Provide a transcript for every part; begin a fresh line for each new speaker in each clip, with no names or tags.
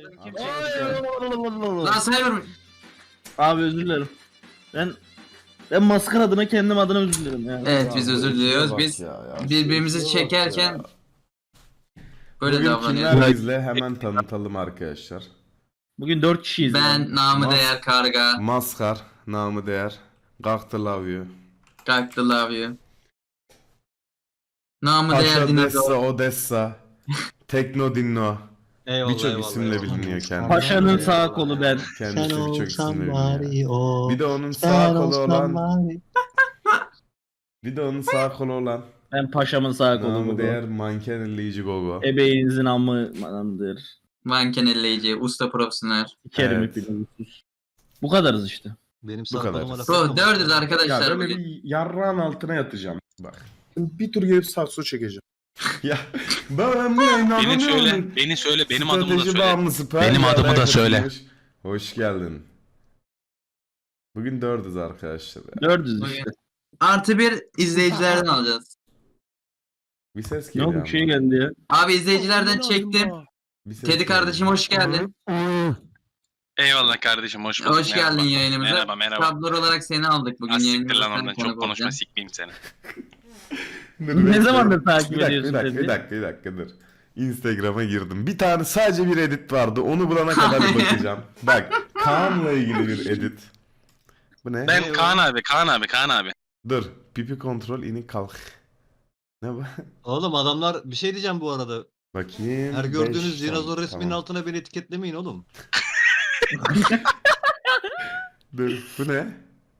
Kim
Ay,
çekti?
Lan Cyber.
Abi özür dilerim. Ben maskar adına kendim adına özür dilerim ya.
Evet biz
Ya,
özür
bu
diliyoruz.
işe bak
Biz
ya,
birbirimizi
şu işe bak
çekerken
ya.
böyle
Bugün
davranıyoruz.
kimler bizle hemen tanıtalım arkadaşlar.
Bugün 4 kişiyiz.
Ben namı
Mas-
değer karga.
Maskar, namı değer. Gaktı love you.
Kalktı love you. Namı değer
Paşa Dessa,
dinozor.
Odessa. Tekno Dinno.
Eyvallah,
Birçok
eyvallah,
isimle
eyvallah.
biliniyor kendisi.
Paşa'nın sağ kolu ben.
Kendisi
Sen
birçok
olsan
isimle
bari
biliniyor.
o.
Bir de onun
Sen
sağ kolu
olsan
olan.
bari.
Bir de onun sağ kolu olan.
Ben paşamın sağ kolu
Namı
bu.
değer manken elleyici gogo.
Ebeğinizin amıdır.
Manken elleyici. Usta profesyonel.
İkerim
Evet.
hepiniz. Bu kadarız işte.
Benim
Bu kadar.
sağ laf
Bu
etmem.
dördüz
Ya
arkadaşlar
böyle
bugün.
bir yarrağın altına yatacağım. Bak.
Bir tur gelip sakso çekeceğim.
Ya ben bu yayını
Beni söyle,
anlamıyorum.
beni söyle, benim adımı da
Strateji
söyle.
bağımlısı Perdi
Benim adımı da
adaya
söyle.
katılmış. Hoş geldin. Bugün dördüz arkadaşlar.
Dördüz
Bugün
işte.
artı bir izleyicilerden alacağız.
Bir ses
Ne
geliyor
oldu bir
ama.
şey geldi ya.
Abi izleyicilerden çektim.
Bir ses
Teddy
geliyor.
kardeşim hoş geldin.
Eyvallah kardeşim, hoş bulduk.
Hoş geldin
Merhaba.
yayınımıza.
Merhaba, merhaba.
Tabler olarak seni aldık bugün
Az siktir
yayınımıza.
lan
Sen
oradan,
konuk
çok konuşma,
olacaksın.
sikmeyeyim seni.
Dur,
Ne
bekle.
zamandır takip
Bir dakika,
ediyorsun
bir dakika,
Teddy?
bir dakika dur. Instagram'a girdim. Bir tane sadece bir edit vardı. Onu bulana kadar bakacağım. Bak, Kaan'la ilgili bir edit. Bu ne?
Ben Kaan abi.
Dur. Pipi kontrol inik kalk. Ne bu?
Oğlum adamlar bir şey diyeceğim bu arada.
Bakayım.
Her gördüğünüz
beş,
dinozor resminin
tamam.
altına beni etiketlemeyin oğlum.
Dur. Bu ne?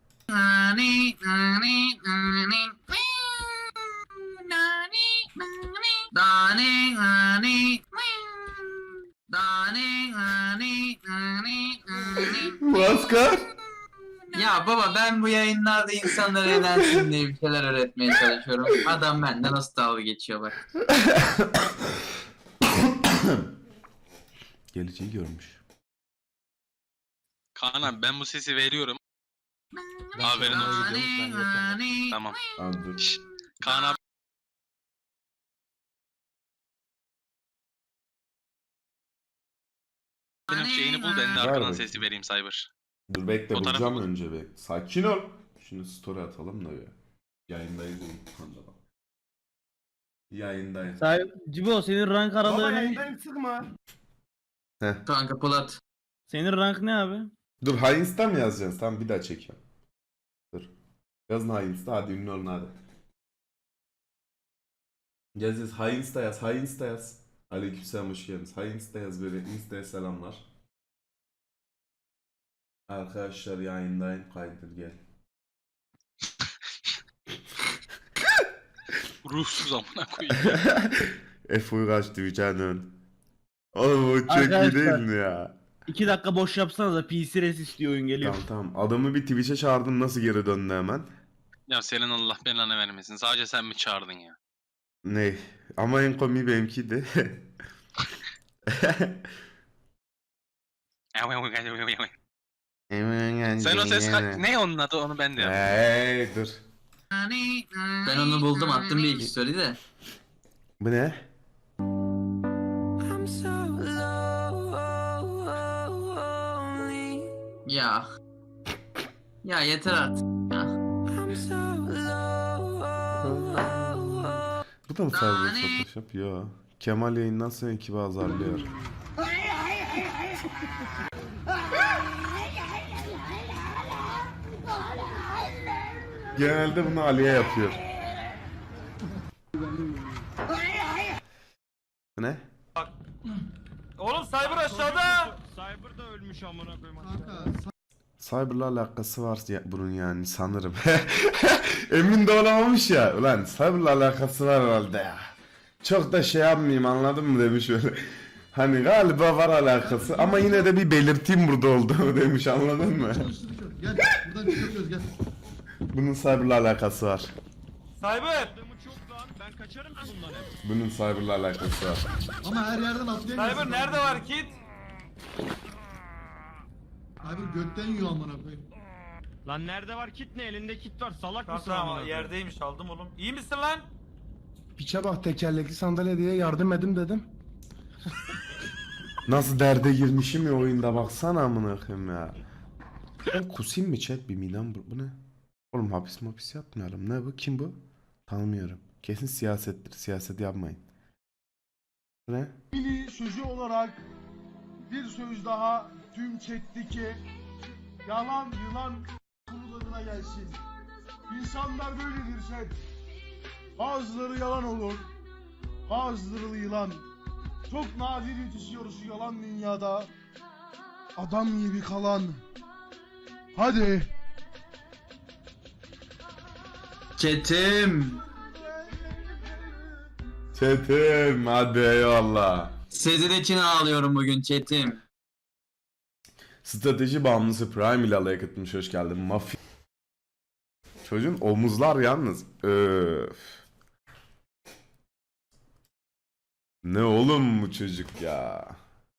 Maskar.
Ya baba ben bu yayınlarda insanlara eğlensin diye bir şeyler öğretmeye çalışıyorum. Adam benden nasıl dalga geçiyor bak.
Geleceği görmüş.
Kaan abi ben bu sesi veriyorum.
Ben
Haberin
sonra
olsun.
gidiyorum, ben yokken.
Tamam.
Abi dur.
Şşş, Kaan abi. Benim şeyini bul, ben de
Ver
arkadan
bakayım.
sesi vereyim Cyber.
Dur bekle
Fotoğrafı
bulacağım
bul.
önce be. Sakin ol. Şunu story atalım da bir. Yayındayız oğlum. Hadi bak. Yayındayız.
Cibo senin rank
Baba
aralığın ne?
yayından sıkma.
Kanka Polat.
Senin rank ne abi?
Dur Heinz'den mi yazacaksın? Tamam bir daha çekiyorum. Dur. Yazın Heinz'de hadi ünlü olun hadi. Yaz Heinz'de yaz. Heinz'de yaz. Aleykümselam hoş geldiniz. Heinz'de yaz böyle. Insta'ya selamlar. Arkadaşlar yayındayım. Kaydır gel.
Ruhsuz amına koyayım.
F uygaç diyeceğin. Oğlum o çok iyi
Arkadaşlar.
değil mi ya?
2 dakika boş yapsanız da PC res istiyor oyun geliyor.
Tamam tamam. Adamı bir Twitch'e çağırdım nasıl geri döndü hemen.
Ya senin Allah belanı vermesin. Sadece sen mi çağırdın ya?
Ne? Ama en komiği benimkiydi.
Sen o ses ne onun adı, onu ben de yaptım.
Hey dur.
Ben onu buldum attım bir iki story de.
Bu ne?
Ya. Ya yeter artık. Ya.
Bu da mı Cyber Photoshop? Yo. Kemal yayından sonra ekibi azarlıyor. Genelde bunu Ali'ye yapıyor. Bu ne?
Oğlum Cyber aşağıda.
Cyber'la alakası var ya bunun yani sanırım. Emin de olamamış ya. Ulan Cyber'la alakası var herhalde ya. Çok da şey yapmayayım anladın mı demiş öyle. Hani galiba var alakası ama yine de bir belirteyim burada olduğunu demiş anladın mı?
Gel buradan çıkıyoruz gel.
Bunun Cyber'la alakası var.
Cyber.
Bunun Cyber'la alakası var.
Ama her yerden atlayamıyorsun.
Cyber nerede var kit?
Abi gökten yiyor amına koyayım.
Lan nerede var kit ne? Elinde kit var. Salak
Tamam
mısın amına
tamam
koyayım?
yerdeymiş aldım oğlum. İyi misin lan?
Piçe bak tekerlekli sandalye diye yardım edim dedim.
Nasıl derde girmişim ya oyunda baksana amına koyayım ya. Ben kusayım mı chat bir midem bu ne? Oğlum hapis yapmayalım. Ne bu? Kim bu? Tanımıyorum. Kesin siyasettir. Siyaset yapmayın. Bu ne?
Mini sözü olarak bir söz daha tüm chat'teki yalan yılan kurularına gelsin. İnsanlar böyledir chat. Bazıları yalan olur. Bazıları yılan. Çok nadir yetişiyor şu yalan dünyada. Adam gibi kalan. Hadi.
Çetim.
Çetin hadi eyvallah.
Sizin için ağlıyorum bugün Çetim.
Strateji bağımlısı Prime ile alaya katılmış, hoş geldin. Mafya. Çocuğun omuzlar yalnız. Öf. Ne oğlum bu çocuk ya.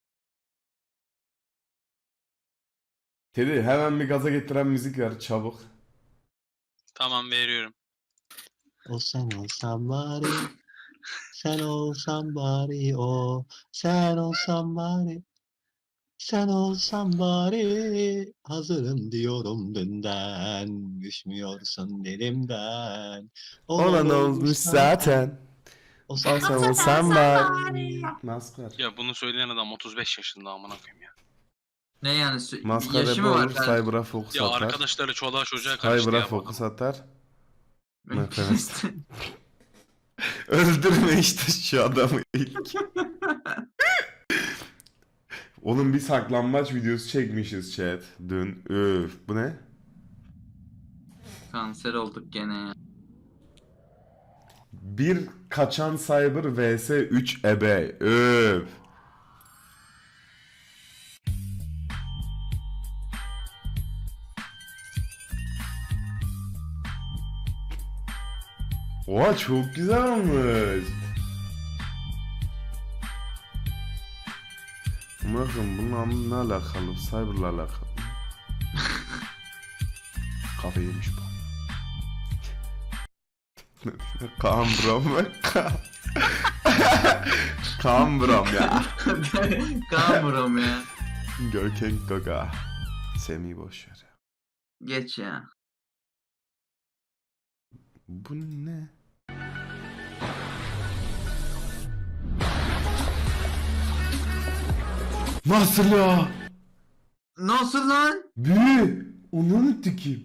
Teddy hemen bir gaza getiren müzik ver çabuk.
Tamam veriyorum.
O sen olsan bari. Sen olsan bari o. Sen olsan bari. Sen olsan bari. Hazırım diyorum dünden. Düşmüyorsun elimden.
Olan olmuş zaten.
O
O
sen
sen olsan bari. Maskar.
Ya bunu söyleyen adam 35 yaşında amına koyayım ya.
Ne yani?
Maskar
Yaşı
rap
mı var?
olur, Cyber'a fokus
Ya
atar.
arkadaşları çoluğa çocuğa karıştı
Cyber'a
ya. bu
fokus
adam.
atar. Nefes. Öldürme işte şu adamı ilk. Oğlum bir saklambaç videosu çekmişiz chat dün. Üf bu ne?
Kanser olduk gene ya.
Bir kaçan cyber vs 3 ebe. Üf. Oha çok güzel olmuş. Bakın bunun anlamı ne alakalı? Cyber'la alakalı. Kafa yemiş bu. Kaan Brom ve Kaan Brom ya.
Kamurum ya.
Görkem Gaga. Semih boşver.
Geç ya.
Bu ne? Nasıl ya?
Nasıl lan?
Büyü. Onu tükeyim.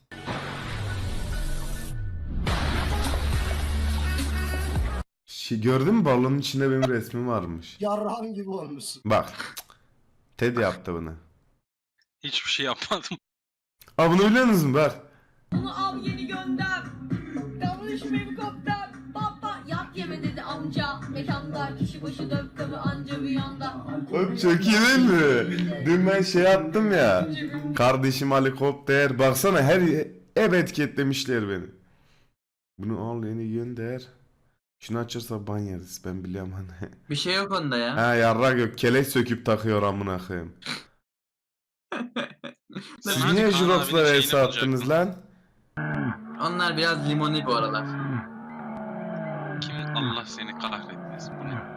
Gördün mü balonun içinde benim resmim varmış.
Yarrağın gibi olmuşsun.
Bak. Ted yaptı bunu.
Hiçbir şey yapmadım.
Aa bunu biliyor musun? Ver.
Onu al yeni gönder. Davranış helikopter. Baba yat yeme dedi amca. Mekanda kişi başı dövkavı anca bir yanda.
Oğlum çok iyi değil mi? Dün ben şey yaptım ya. Kardeşim helikopter. Baksana her ev etiketlemişler beni. Bunu al yeni gönder. Şunu açarsa ban yeriz. Ben biliyorum hani.
Bir şey yok onda ya.
Ha yarrak yok. Kelek söküp takıyor amına koyayım. Siz
Hadi
niye
Kaan
Jurox'la
abinin
vs
şeyini
attınız lan?
Onlar biraz limoni bu aralar.
Kim Allah seni kahretmesin. Bu ne?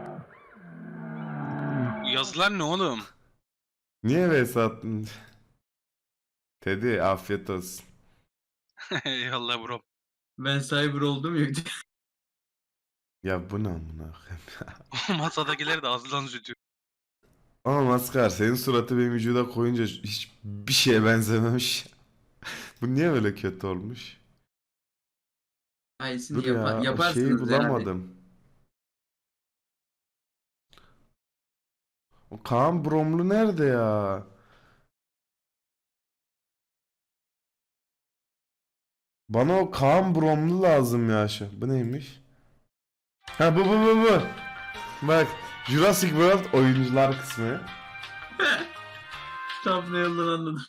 Bu yazılar ne oğlum?
Niye vs attın? Teddy afiyet olsun.
Eyvallah bro.
Ben cyber oldum ya.
Ya bu ne amına koyayım?
Masadakiler de ağzından zütüyor.
Ama Maskar senin suratı benim vücuda koyunca hiç bir şeye benzememiş. Bu niye böyle kötü olmuş?
Aysin
Dur ya o
yaparsınız
şeyi
herhalde.
bulamadım. O Kaan Bromlu nerede ya? Bana o Kaan Bromlu lazım ya şu. Bu neymiş? Ha bu. Bak Jurassic World oyuncular kısmı.
Tam ne yoldan anladım.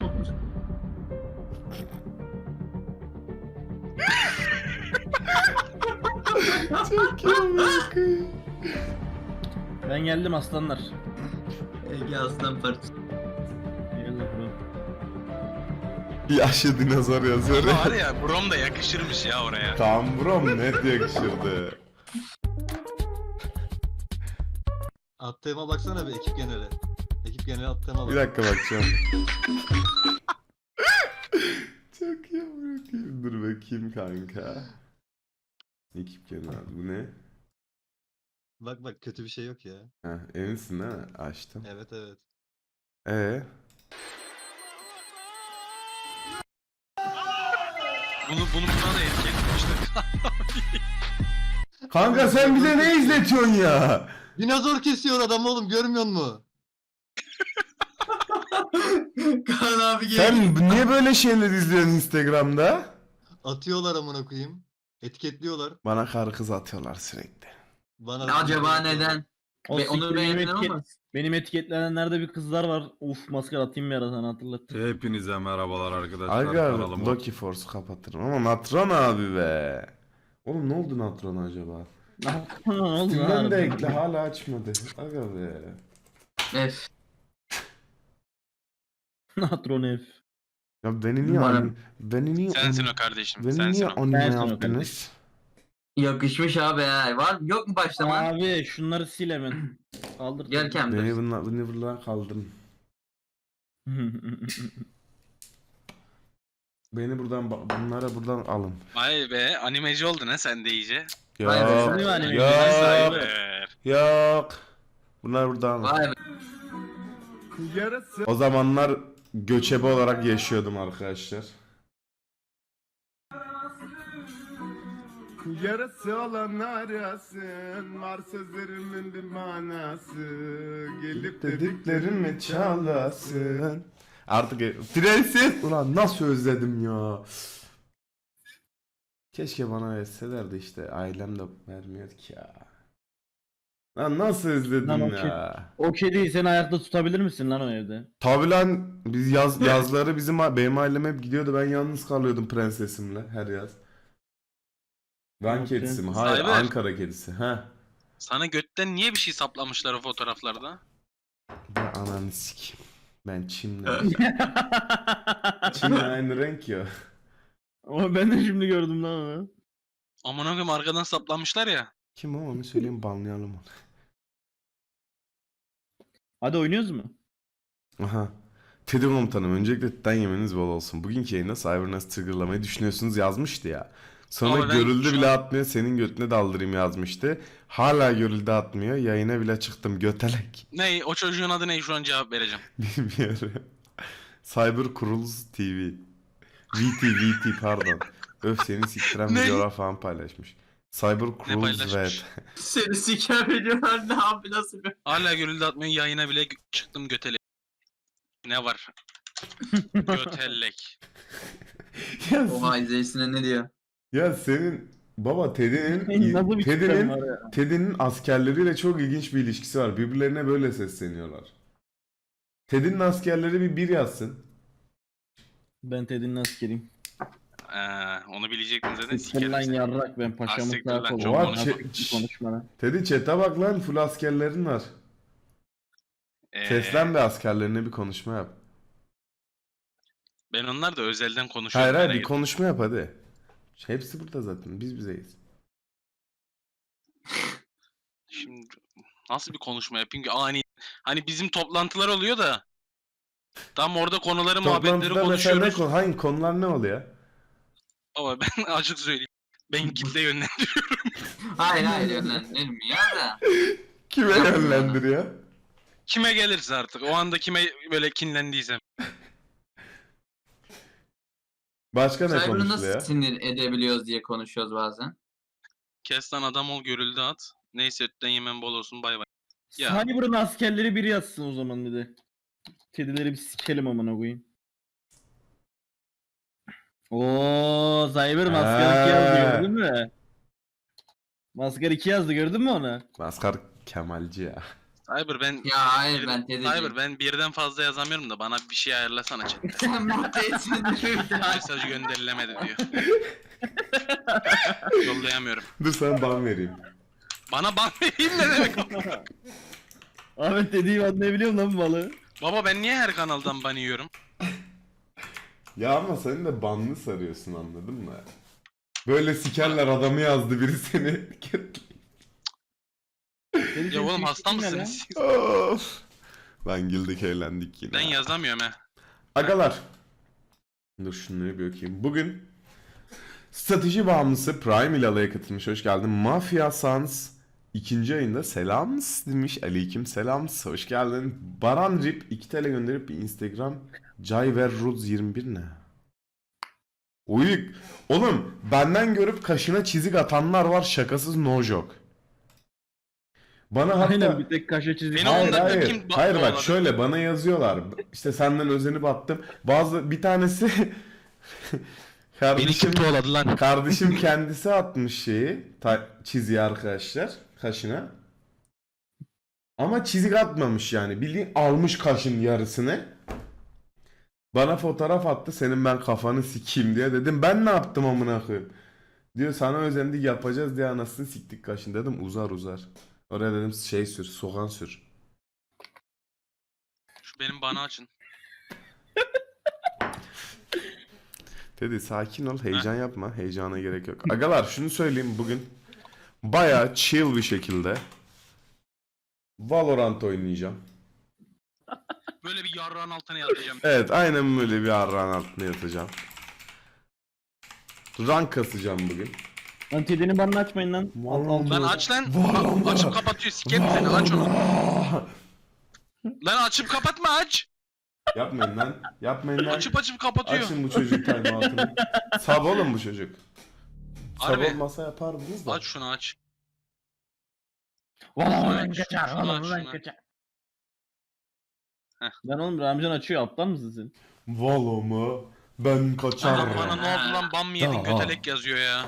Ben geldim aslanlar.
Ege aslan parçası.
Eyvallah bro.
Yaşlı dinozor yazıyor
Ama var
ya.
ya brom da yakışırmış ya oraya.
Kaan Brom net yakışırdı.
Attığıma baksana bir ekip geneli. ekip genel alttan
Bir
alalım.
dakika bakacağım. Çok iyi bırakayım. Dur bakayım kanka. Ekip genel. Bu ne?
Bak kötü bir şey yok ya.
Heh, eminsin değil mi? Açtım.
Evet evet.
Bunu buna da etkilemişler.
Kanka sen bize ne izletiyorsun ya?
Dinozor kesiyor adam oğlum görmüyor musun?
Kaan abi gel.
Sen niye böyle şeyler izliyorsun Instagram'da?
Atıyorlar amına koyayım. Etiketliyorlar.
Bana karı kız atıyorlar sürekli.
Bana
Acaba neden?
O
Ve onu
siktir, benim,
beğendin ama.
benim etiketlenenlerde bir kızlar var. Uf maskara atayım bir ara sana hatırlattım.
Hepinize merhabalar arkadaşlar.
Aga
Kanalıma-
Loki Force'u kapatırım ama Natron abi be. Oğlum ne oldu Natron acaba?
Ne oldu
Steam'den de
lan?
ekle hala açmadı. Aga be.
Ef.
Natron F.
Ya beni niye
Umarım.
Sensin o kardeşim.
Beni
Sensin
niye
o.
anime
Sensin o
yaptınız?
Yakışmış abi ha. Var yok mu başlaman?
Abi şunları sil hemen. Kaldır.
Görkem dur.
Beni buradan kaldırın. Beni buradan bunlara buradan alın.
Vay be animeci oldun ha sen de iyice.
Vay be,
Yok.
sen
de anime
Yok.
Cyber.
Yok. Bunlar buradan alın.
Vay be.
Yarası.
O zamanlar göçebe olarak yaşıyordum arkadaşlar.
Yarası olan arasın. Var sözlerimin bir manası. Gelip
Dediklerimi çalasın. Artık prenses. Ulan nasıl özledim ya. Keşke bana verselerdi işte. Ailem de vermiyor ki ya. Lan nasıl özledim
Lan
ya.
O kediyi sen ayakta tutabilir misin lan o evde?
Tabi lan biz yazları benim ailem hep gidiyordu. Ben yalnız kalıyordum prensesimle her yaz. Van
Evet,
kedisi mi?
prenses.
Hayır,
Cyber.
Ankara kedisi. Ha.
Sana götten niye bir şey saplamışlar o fotoğraflarda?
Ben ananı sikeyim. Ben Çin'le. Çin'le aynı renk ya.
Ama ben de şimdi gördüm lan onu.
Aman koyayım arkadan saplamışlar ya.
Kim o onu söyleyeyim banlayalım onu.
Hadi oynuyoruz mu?
Aha. Teddy komutanım öncelikle tütten yemeniz bol olsun. Bugünkü yayında Cyber nasıl triggerlamayı düşünüyorsunuz yazmıştı ya. Sonra
Ama ben
görüldü
şu
bile
an-
atmıyor senin götüne daldırayım yazmıştı. Hala görüldü atmıyor yayına bile çıktım götelek.
Ne o çocuğun adı ne şu an cevap vereceğim.
Bilmiyorum. Cyber Kuruluz TV. VT pardon. Öf seni siktiren
Ne?
videolar falan paylaşmış. Cyber Kuruluz
paylaşmış?
evet.
Seni siker ediyorlar ne abi nasıl bir.
Hala görüldü atmıyor yayına bile çıktım götelek. Ne var? Götelek.
Ya,
Oha izleyicisine ne diyor?
ya senin baba
Nasıl bir sistem
Teddy'nin
var ya?
Teddy'nin askerleriyle çok ilginç bir ilişkisi var. Birbirlerine böyle sesleniyorlar. Teddy'nin askerleri bir yazsın.
Ben Teddy'nin askeriyim.
Onu bilecektin zaten
Siktir lan
sikerim.
yarrak ben paşamın
siktir
sağ
lan,
kolu.
çok
Oha,
Nasıl
çe-
bir konuşma.
Teddy chat'e bak lan full askerlerin var. Seslen de askerlerine bir konuşma yap.
Ben onlar da özelden
Hayır
konuşuyorum.
hayır
merak
bir
etme.
konuşma yap hadi. Hepsi burada zaten biz bizeyiz.
Şimdi nasıl bir konuşma yapayım ki hani bizim toplantılar oluyor da tam orada konuları muhabbetleri
Toplantıda mesela
konuşuyoruz.
hangi konular ne oluyor?
Ama ben açık söyleyeyim. Ben kitle yönlendiriyorum.
Hayır yönlendirilmiyor da.
Kime yönlendiriyor?
Kime gelirse artık. O anda kime böyle kinlendiysem.
Başka ne
Cyber'ı
konuşuluyor?
nasıl sinir edebiliyoruz diye konuşuyoruz bazen.
Kes lan adam ol görüldü at. Neyse ötten yemen bol olsun bay bay. Ya.
Cyber'ın askerleri biri yazsın o zaman dedi. Kedileri bir sikelim amına koyayım. Oo, Cyber maskar 2 yazdı gördün mü? Maskar 2 yazdı gördün mü onu?
Maskar Kemalci ya.
Cyber ben
Ya hayır ben teyzeciğim.
Cyber ben birden fazla yazamıyorum da bana bir şey ayarlasana chatte.
Sen maddesin.
Mesaj gönderilemedi diyor. Yollayamıyorum.
Dur sana ban vereyim.
Bana ban vereyim ne demek?
Ahmet dediğim anlayabiliyor lan bu balığı.
Baba ben niye her kanaldan ban yiyorum?
Ya ama sen de banlı sarıyorsun anladın mı? Böyle sikerler adamı yazdı biri seni.
Ya oğlum hasta mısınız?
Of. Lan güldük eğlendik yine.
Ben yazamıyorum he.
Agalar. Dur şunları bir okuyayım. Bugün strateji bağımlısı Prime ile alaya katılmış. Hoş geldin. Mafia Sans 2. ayında selams demiş. Aleyküm selams. Hoş geldin. Baran Rip 2 TL gönderip bir Instagram Jayverruz 21 ne? Uyuk. Oğlum benden görüp kaşına çizik atanlar var, şakasız, no joke. Bana hatta...
Aynen bir tek kaşe çizdik.
Beni
Hayır
ondan
hayır.
kim
Hayır bak
bağladı?
şöyle bana yazıyorlar. İşte senden özenip attım. Bir tanesi kardeşim
kovaladı lan?
kardeşim kendisi atmış çiziyi arkadaşlar kaşına. Ama çizik atmamış yani. Bildiğin almış kaşın yarısını. Bana fotoğraf attı. Senin ben kafanı sikeyim diye dedim. Ben ne yaptım amına koyayım? Diyor sana özendik yapacağız diye anasını siktik kaşın dedim. Uzar. Oraya dedim sür, soğan sür.
Şu benim bana açın.
Dedi sakin ol, heyecan yapma. Heyecana gerek yok. Agalar şunu söyleyeyim bugün bayağı chill bir şekilde Valorant oynayacağım.
Böyle bir yarrağın altına yatacağım.
Evet, aynen böyle bir arrağın altına yatacağım. Rank kasacağım bugün.
Lan TD'nin banını açmayın lan.
Lan aç lan. Açıp kapatıyor. Sikerim seni, aç onu. Lan açıp kapatma, aç.
Yapmayın lan. Yapmayın lan.
Açıp kapatıyor.
Açın bu çocuk timeout'unu. Sab oğlum bu çocuk. Sab
Harbi.
olmasa yapardınız da.
Aç şunu aç.
Valla
ben kaçar, valla ben
kaçar. Lan oğlum Ramcan açıyor, aptal mısın sen?
Valo mu? Ben kaçarım.
Bana ne oldu lan, bam mı yedin, götelek yazıyor ya.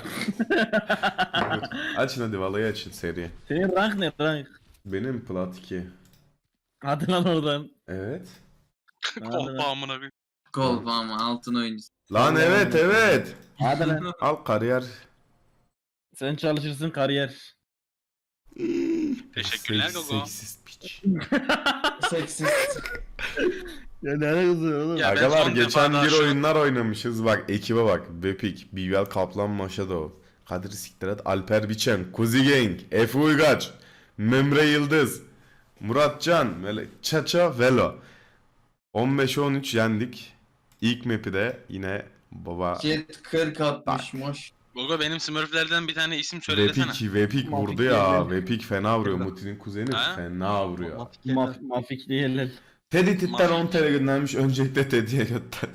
Açın hadi valayı açın seri.
Senin rank ne rank?
Benim plat 2.
Hadi lan oradan.
Evet.
Kolpa amına bir.
Gol ama altın oyuncusu.
Lan evet.
Hadi lan.
Al kariyer.
Sen çalışırsın kariyer.
Teşekkürler Gogo.
Seksist piç.
Seksist.
Ya ne alakası oğlum?
Ya ben
Agalar
son
geçen
defa
bir
daha şu-
oyunlar oynamışız. Bak ekibe bak. Bepik, Bivel Kaplan Maşadov, Kadir Siktirat, Alper Biçen, Kuzi Gang, Efe Uygaç, Memre Yıldız, Murat Can, Çaça Velo. 15-13 yendik. İlk map'i de yine baba
Jet 40 atmış moş.
Gogo benim smurflerden bir tane isim söylesene.
Vepik vurdu
Mafik
ya.
değil.
Vepik fena vuruyor. Muti'nin kuzeni
Ha?
fena vuruyor.
Mafik değiller.
Teddy Titten
Mafik.
10 TL göndermiş. Öncelikle Teddy'ye gönderdim.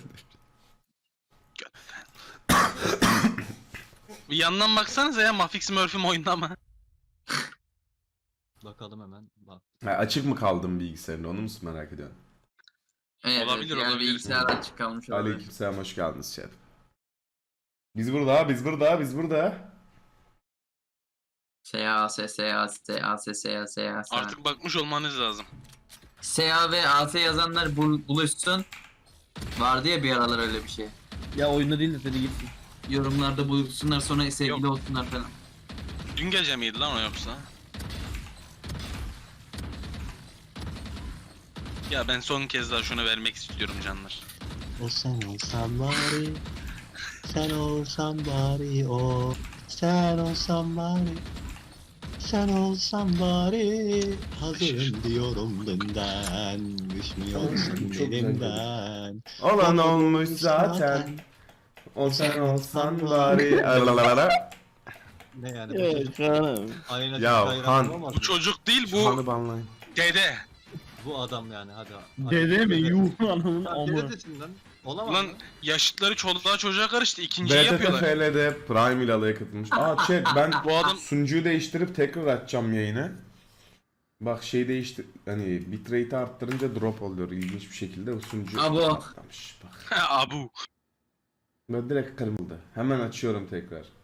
Bir yandan baksanıza ya, Mafik Smurf'üm oyunda mı?
Bakalım hemen. Bak.
Ha, açık mı kaldım bilgisayarında onu musun merak ediyorsun?
Evet,
Olabilir,
yani
olabilir.
bilgisayar açık kalmış olabilir.
Aleykümselam hoş geldiniz şef. Biz burada.
S-A-S.
Artık bakmış olmanız lazım.
S-A ve A-S yazanlar buluşsun. Vardı ya bir aralar öyle bir şey.
Ya oyunda değil de seni gitsin.
Yorumlarda buluşsunlar sonra sevgili
Yok.
olsunlar falan.
Dün gece miydi lan o yoksa? Ya ben son kez daha şunu vermek istiyorum canlar.
O sen olsan bari. Sen olsan bari o. Sen olsan bari. Sen olsan bari. Hazırım diyorum dünden. Düşmüyorsun
Çok güzel
elimden.
Olan olmuş zaten. O sen olsan bari. Alalalala.
Ne yani?
Evet canım.
Aynen.
Ya, Han.
Bu çocuk değil,
Şu hanı
bu
banlayın.
dede.
Bu adam yani hadi.
Dede mi? Yuh anamın amı.
Dede desin lan. Olamaz
Lan
mı?
yaşıtları çoluğa çocuğa karıştı, ikinciyi
BTT
yapıyorlar.
FL'de Prime ile alaya katılmış. Chat ben
Bu adam
sunucuyu değiştirip tekrar açacağım yayını. Bak değiştir hani bitrate'i arttırınca drop oluyor ilginç bir şekilde o sunucu
Abo.
patlamış. Bak
abu.
ben direkt kırıldı. Hemen açıyorum tekrar.